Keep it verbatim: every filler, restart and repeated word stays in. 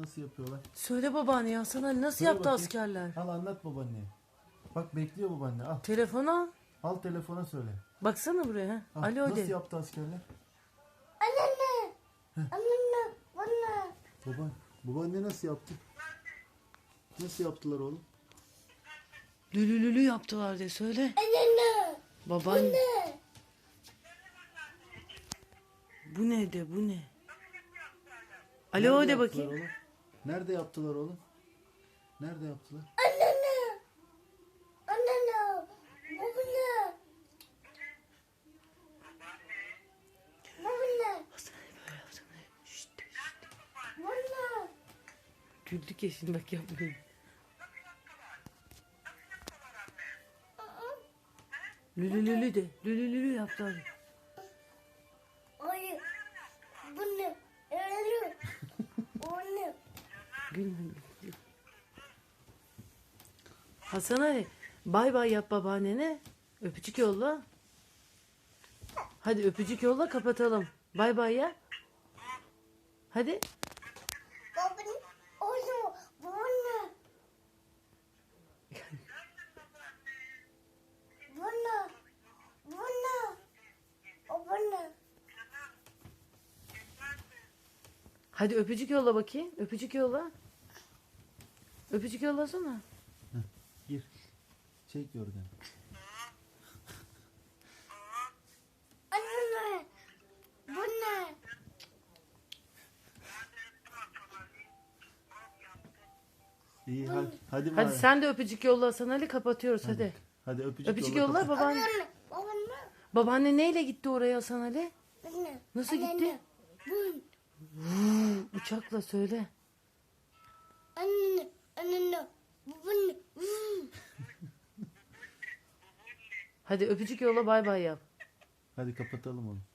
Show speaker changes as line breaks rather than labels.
Nasıl yapıyorlar?
Söyle babaanne ya, sana nasıl
Söyle
yaptı
bakayım.
askerler?
Al anlat babaanneye. Bak bekliyor babaanne. Al.
Telefonu al.
Al telefona söyle.
Baksana buraya. Ha.
Al.
Alo
Nasıl
de.
yaptı askerler?
Anne. Anne. Bana.
Baba, babaanne nasıl yaptı? Nasıl yaptılar oğlum?
Lülülülü yaptılar de söyle.
Anne.
Babaanne.
Anne.
Bu ne de bu ne?
Nerede
Alo de
yaptılar
bakayım.
oğlum? Nerede yaptılar oğlum? Nerede yaptılar?
Anne. Anne. Baba. Baba.
Şşt.
Baba.
Güldük ya şimdi, bak yapmayın. Lülülülü de. Lülülülü yaptılar.
Hayır. Bu ne? Öyle. O ne?
Gülme. Hasan Ali, bay bay yap babaannene. Öpücük yolla. Hadi öpücük yolla, kapatalım. Bay bay yap. Hadi.
Babanın oğlu. Bu ne? Bu ne? Bu ne? O bu ne?
Hadi öpücük yolla bakayım. Öpücük yolla. Öpücük yollasana.
Gir. Çek yorganı.
Anne. Bu ne?
İyi hadi. Hadi,
Hadi
bari.
sen de öpücük yolla Hasan Ali, kapatıyoruz hadi.
Hadi öpücük,
Öpücük
yolla,
yolla
kapat.
babaanne.
Anne. Baba ne?
Babaanne neyle gitti oraya Hasan Ali?
Anne.
Nasıl
Anne,
gitti?
Bu.
Uçakla söyle.
Anne. Anne. Bu ne?
Hadi öpücük yolla, bay bay yap.
Hadi kapatalım onu.